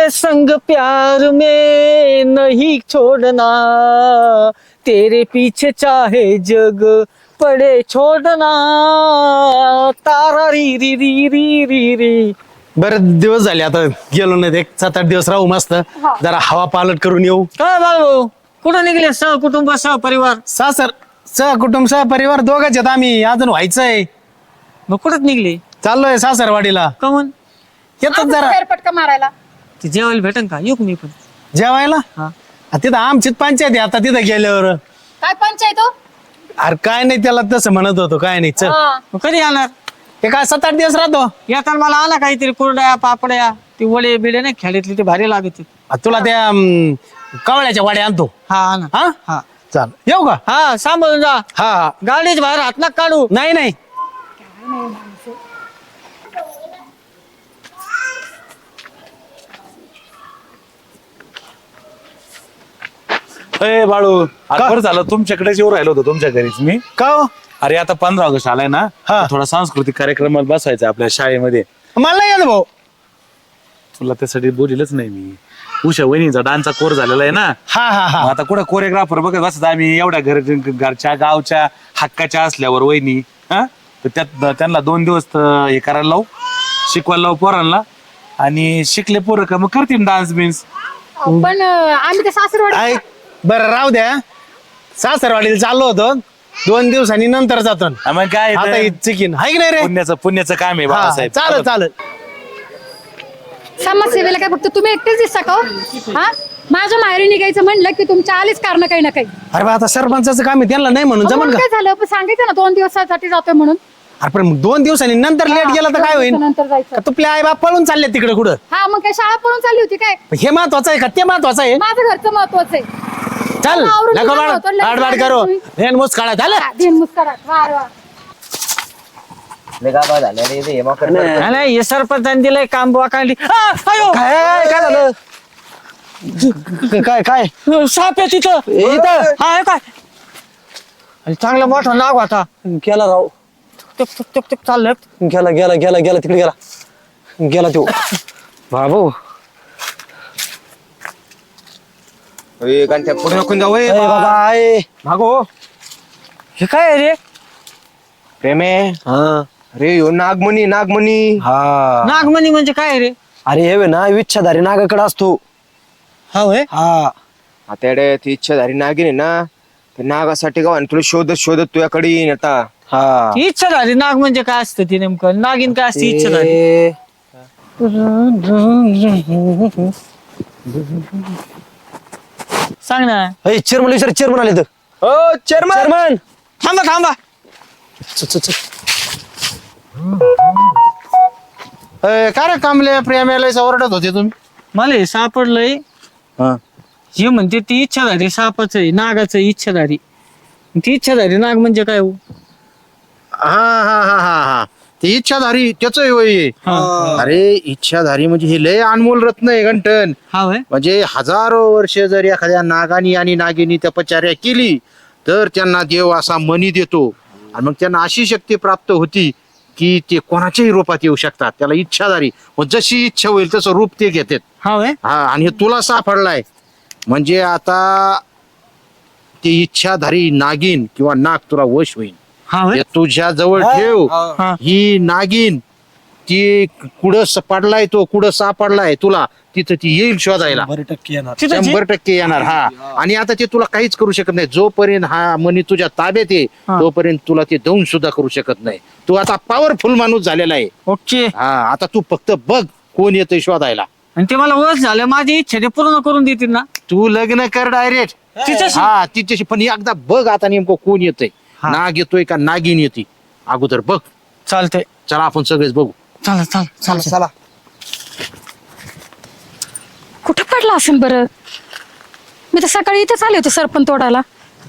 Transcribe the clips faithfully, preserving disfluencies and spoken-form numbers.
तेरे संग प्यार में नहीं छोड़ना, तेरे पीछे चाहे जग पडे छोडना, तारा री री री री री री. बरेच दिवस झाले आता गेलो नाही, एक सात आठ दिवस राहू मस्त, जरा हवा पालट करून येऊ. काय बाळू, कुठं निघले सह कुटुंब सह परिवार? सासर सह कुटुंब सह परिवार दोघच आहेत आम्ही, अजून व्हायचंय. मग कुठंच निघले? चाललोय सासरवाडीला. कमन येतात जरा फेरफटका मारायला. ते जेवायला भेटन का? येऊ का मी पण? जेवायला. हा. आ, तिथं आमचीच पंचायत आहे आता तिथं गेल्यावर. काय पंचायत हो? अरे काय नाही, त्याला तसं म्हणत होतो, काय नाही चल. हा. मग कधी येणार? ते काय सात आठ दिवस राहतो. येताना मला आणा काहीतरी कुरड्या पापड्या, ते वडे बिडे नाही खेड्यातले, ते भारी लागत. आ, तुला त्या अं, कवळ्याच्या वाड्या आणतो. हा आणा. हा हा चाल, येऊ का? हा सांभाळून जा. हा हा. गाडीच बाहेर हात ना काढू. नाही नाही. अरे बाळू, आज बरं झालं तुमच्याकडेच येऊ राहिलो होतो, तुमच्या घरीच मी. का हो? अरे आता पंधरा ऑगस्ट आलाय ना, हा. थोडा सांस्कृतिक कार्यक्रमात बसवायचा आपल्या शाळेमध्ये. मला नाही येत भाऊ. तुला त्यासाठी बोलिलच नाही मी. उषा वहिनीचा डान्सचा कोर्स झालेला आहे ना, हा हा हा. मग आता कुठं कोरिओग्राफर बघत बसत आम्ही एवढ्या घर घरच्या गावच्या हक्काच्या असल्यावर वहिनी, हा तर त्यात त्यांना दोन दिवस तर हे करायला लावू, शिकवायला लावू पोरांना, आणि शिकले पोरं का मग करतील डान्स बिन्स. पण अं, आम्ही ते सासरवाडी. ऐक बरं राहू द्या, सासरवाडीला चाललो होतो, दोन दिवसांनी नंतर जातो. मग काय आता ते चिकीन हाय की नाही रे? पुण्याचं पुण्याचं काम आहे हा, बाळासाहेब. चालेल चालेल. समाजसेवेला काय फक्त तुम्ही एकटेच दिसता का हो? हा, माझ्या माहेरी निघायचं म्हणलं की तुमच्या आलीच कारण काही ना काही. अरे बा, आता सरपंचाचं काम आहे, त्यांना नाही म्हणून अहो, जमन म्हणून का? काय झालं, पण सांगायचं ना दोन दिवसासाठी जातोय म्हणून. अरे पण मग दोन दिवसांनी नंतर लेट गेला तर काय होईल? नंतर जायचं. का तुपले आई बाप पळून चालले तिकडे कुठं? हा, मग काय शाळा पळून चालली होती काय? हे महत्वाचं आहे का ते महत्वाचं आहे? माझं घरचं महत्वाचं आहे. चल आवरून नको निघालो बाळ, होतो, लगेच आडबाड आले करो, तुम्ही. हेन मुस काढा झालं. हा, दिन मुस्करात. वा वा. नाही, नाही हे सरपंचाने दिलंय काम बुवा काढली. आ, अयो! काय काय झालं? काय काय साप आहे तिथं. इथं? हा हे काय? आणि चांगला मोठा नाग होता. गेला राव, टुक टुक टुक टुक चाललं. गेला गेला गेला गेला तिकडे गेला गेला तो बाबू. पुढे नको जाऊ ए बाबा आहे भागो. हे काय आहे रे? प्रेमे हा अरे यो नागमणी नागमणी. हा. नागमणी म्हणजे काय आहे रे? अरे हे ना विच्छाधारी नागाकडे असतो. हा होय. हा आता ती इच्छाधारी नागिन आहे ना, ते नागासाठी का तुला शोधत शोधत तुझ्याकडे येईन आता. हा. ती इच्छाधारी नाग म्हणजे काय असतं ते नेमकं? नागिन काय असते इच्छाधारी? ते- सांग ना. ए, चेअरमन विचार, चेअरमन आले तर. हो चेअरमन. चेअरमन थांबा थांबा. च- च- च. ए, काय रे कामले प्रेमाला ओरडत होते तुम्ही? मला हे सापडलंय. हा. हे म्हणते ती इच्छाधारी सापच आहे, नागाचं इच्छाधारी. ती इच्छाधारी नाग म्हणजे काय हो? हा हा हा हा हा ती इच्छाधारी त्याच होय. अरे इच्छाधारी म्हणजे हे लय अनमोल रत्न आहे गंठन. हा होय. म्हणजे हजारो वर्ष जर एखाद्या नागानी आणि नागिनी तपश्चर्या केली तर त्यांना देव असा मनी देतो, आणि मग त्यांना अशी शक्ती प्राप्त होती की ते कोणाच्याही रूपात येऊ शकतात. त्याला इच्छाधारी, मग जशी इच्छा होईल तसं रूप ते घेतात. हा होय. हा, आणि हे तुला सापडलाय म्हणजे आता ती इच्छाधारी नागिन किंवा नाग तुला वश होईल. हा होय. ते तुझ्या जवळ ठेव. हा. ही नागिन ती कुठं स- पडलाय तो कुठं सापडलाय तुला तिथं ती येईल शोधायला. बरं टक्के येणार. तिथं जी- शंभर टक्के येणार. हा, आणि आता ते तुला काहीच करू शकत नाही जोपर्यंत हा मनी तुझ्या ताब्यात आहे, हा. तोपर्यंत तुला ते दौन सुद्धा करू शकत नाही. तू आता पॉवरफुल माणूस झालेला आहे. ओके. हा, आता तू फक्त बघ कोण येतोय शोधायला. आणि ते मला वस झालं, माझी इच्छा ते पूर्ण करून देतील ना? तू लग्न कर डायरेक्ट. तिच्याशी? हा, तिच्याशी. पण एकदा बघ आता नेमकं कोण येतोय, हा. नाग येतोय का नागिन येते अगोदर बघ. चालतंय. चला आपण सगळेच बघू. चला चला चला चला. कुठं पडला असेल बरं? मी तर सकाळी इथेच आले होते सरपण तोडायला.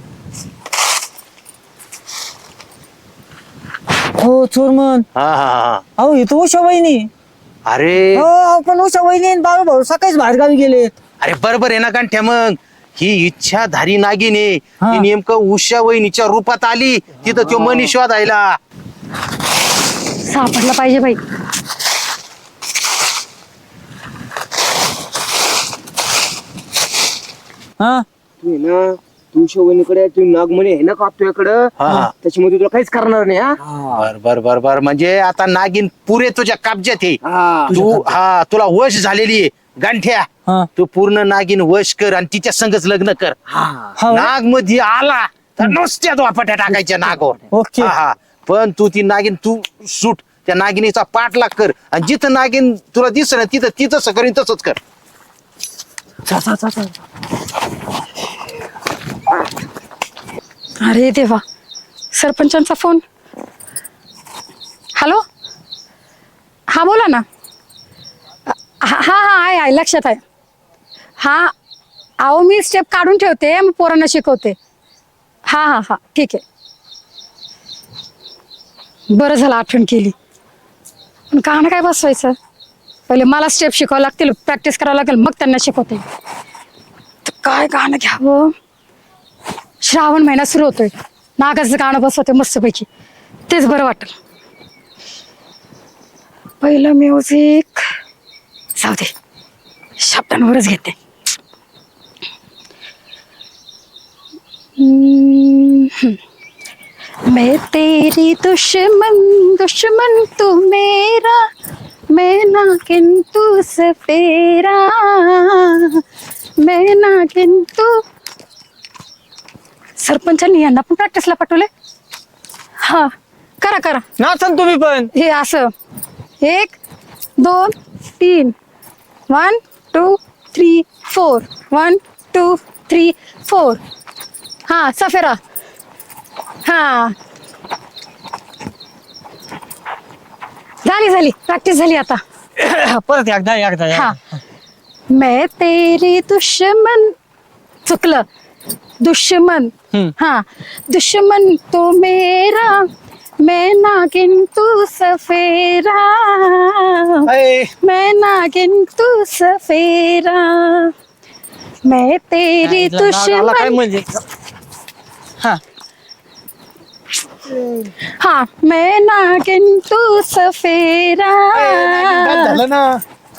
हो चोरमन. हा हा हा. अहो हे तर उषा वहिनी. अरे हो आपण उषा वहिनी बाबा भाऊ सकाळीच बाहेर गावी गेलेत. अरे बरोबर आहे ना कांठ्या, मग ही इच्छाधारी नागिन आहे. हा. ती नेमकं उषा वहिनीच्या रूपात आली तिथं तो मनी शोधायला. सापडला पाहिजे बाई. हा तू आहे ना तू शोभनीकडे तू नागमणी आहे ना का तुझ्याकडं हा. त्याच्यामध्ये तुला काहीच करणार नाही हा बर बर बर बर म्हणजे आता नागिन पुरे तुझ्या कब्जात आहे हा. तू हा तुला वश झालेली आहे गांठ्या हा. तू पूर्ण नागिन वश कर आणि तिच्या संगच लग्न कर हा. नाग मध्ये आला तर नुसत्या दोपाट्या टाकायच्या नागावर ओके. हा, हा. पण तू ती नागिन तू सूट त्या नागिनीचा पाठलाग कर आणि जिथं नागिन तुला दिसत ना तिथं ती तसं करीन तसंच कर अरे देवा सरपंचांचा फोन. हॅलो हा बोला ना. हा हा आहे आहे लक्षात आहे. हा अहो मी स्टेप काढून ठेवते मग पोरांना शिकवते. हा हा हा ठीक आहे. बरं झालं आठवण केली. पण गाणं काय बसवायचं पहिले मला स्टेप शिकावं लागतील प्रॅक्टिस करावं लागेल मग त्यांना शिकवते. तर काय गाणं घ्यावं. श्रावण महिना सुरू होतोय नागाचं गाणं बसवते मस्तपैकी तेच बरं वाटेल. पहिलं म्युझिक जाऊ दे शब्दांवरच घेते. हम्म. मैं तेरी दुश्मन दुश्मन तू मेरा मैं नागिन तू सफेरा मैं नागिन तू. सरपंचांनी यांना पण प्रॅक्टिसला पाठवले. हा करा करा नाचन तुम्ही पण. हे असं एक दोन तीन one two three four one two three four. हा सफेरा. हा झाली झाली प्रॅक्टिस झाली आता. परत एकदा एकदा हा मैं तेरी दुश्मन चुकलं दुश्मन. हम्म. हाँ दुश्मन तो मेरा मैं नागिन तू सफेरा मैं नागिन तू सफेरा मैं तेरी काय दुश्मन. म्हणजे हा हाँ मैं नागिन तू सफेरा. झालं ना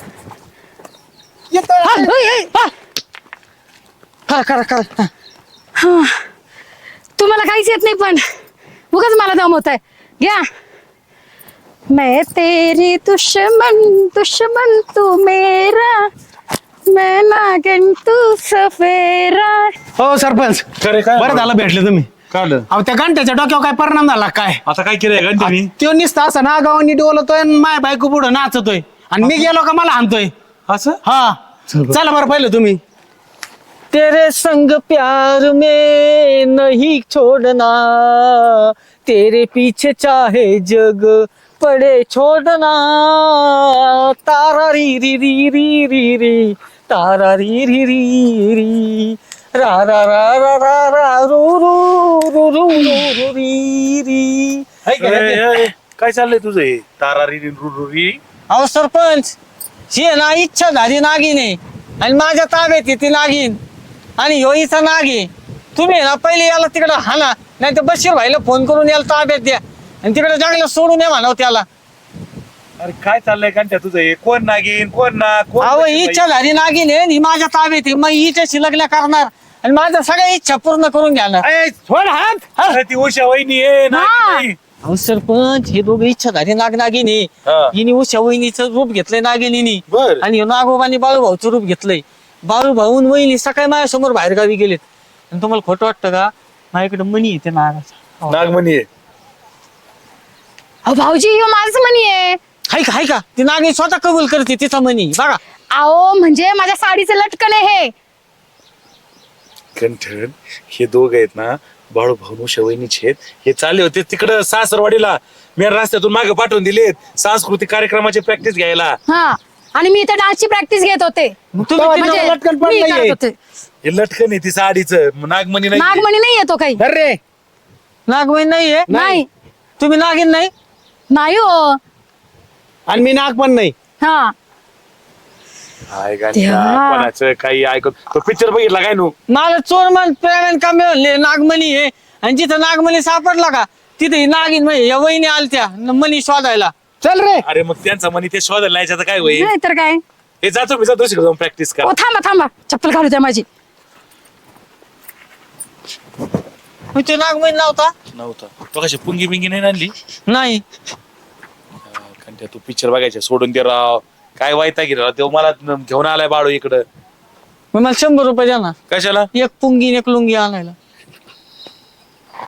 हाँ, ओय, ओय, हाँ. करा करा करा. हाँ. तुम्हाला काहीच येत नाही पण उगाच मला दमवत आहे. घ्या. मैं तेरी दुश्मन दुश्मन तू मेरा मैं नागिन तू सफेरा. हो सरपंच खरे काय बरं झालं भेटले तुम्ही काढलं अहो त्या घंट्याच्या डोक्यावर काय परिणाम झाला काय आता काय केलंय घंट्यानी. तो निसता असं ना गावानी डोलतोय आणि माय बायको पुढं नाचतोय आणि मी गेलो का मला हाणतोय. असं हा चला बरं पहिलं तुम्ही. तेरे संग प्यार में नहीं छोड़ना तेरे पीछे चाहे जग पड़े छोड़ना तारा री री री री री री तारा री री री री रा रा रा रा रा रा रू रू रू रू रू रू री री. ए, ए, काय चाललंय तुझं हे तारारी रुरुरी. अहो सरपंच ही आहे ना इच्छा झाली नागिन आहे आणि माझ्या ताब्यात आहे ती नागिन आणि ह्यो हिचा नाग आहे. तुम्ही आहे ना पहिले याला तिकडं हाना नाही तर बशीर भाईला फोन करून याला ताब्यात द्या आणि तिकडे जंगलात सोडून या म्हणाव त्याला. अरे काय चाललंय घंट्या तुझं हे कोण नागिन कोण ना कोण अहो कशी इच्छा झाली नागिन आहे आणि ही माझ्या ताब्यात आहे मग हिच्याशी लग्न करणार आणि माझ्या सगळ्या इच्छा पूर्ण करून घेणार. बाई? ए, सोड हात. अरे ती उषा वहिनी आहे नागिन हा. नाही. अहो सरपंच हे दोघे इच्छा झाली नाग नागिनी हा. हिने उषा वहिनीचं रूप घेतलंय नागिनीनी बर. आणि ह्यो नागोबानी बाळूभाऊचं रूप घेतलंय. बाळूभाऊन वहिनी सकाळी माझ्यासमोर बाहेर गावी गेलेत आणि तुम्हाला खोटं वाटतं का माझ्याकडे मनी येते नागाचा. नागमणी आहे. अहो भाऊजी ह्यो माझं मनी आहे. हाय का हाय का ती नागिन स्वतः कबूल करते तिचा मनी बघा. अहो म्हणजे माझ्या साडीचं लटकन आहे हे. कंठन हे दोघ आहेत ना बाळू भाऊ शवैनीचे आहेत. हे चालले होते तिकडं सासरवाडीला मी रस्त्यातून मागे पाठवून दिलेत सांस्कृतिक कार्यक्रमाची प्रॅक्टिस घ्यायला. हा आणि मी इथे डान्सची प्रॅक्टिस घेत होते. मग तुम्ही तेव्हा तिला- तिला लटकन पण मी नाहीये. करत होते. हे लटकन आहे ती साडीचं नागमणी नाही. नागमणी नाही येतो काही. अरे नागमणी नाहीये नाही तुम्ही नागिन नाही. नाही हो. आणि मी नाग पण नाही. हा हाय गांठ्या, देवा. कोणाचं काही ऐकत तो पिक्चर बघितला काय नु. मला चोर मन प्रेरण का मिळाले नागमणी आहे आणि जिथं नागमणी सापडला का तिथे ही नागिन म्हणजे या वहिनी आलत्या न मनी शोधायला. चल रे अरे मग त्यांचा म्हणी ते शोधायला नाही याच्यात काय होईल. नाही तर काय. हे जातो मी जातो शिकतो जाऊन प्रॅक्टिस कर. ओ थांबा थांबा चप्पल घालू द्या माझी. मग ते नागमणी लावता नव्हता तो कशी पुंगी बिंगी नाही आणली नाही. कारण त्या तू पिक्चर बघायचे सोडून दे राव काय वायता की राव तो मला घेऊन आलाय बाळू इकडं मग मला शंभर रुपये द्या ना, कशाला एक पुंगी आणि एक लुंगी आणायला.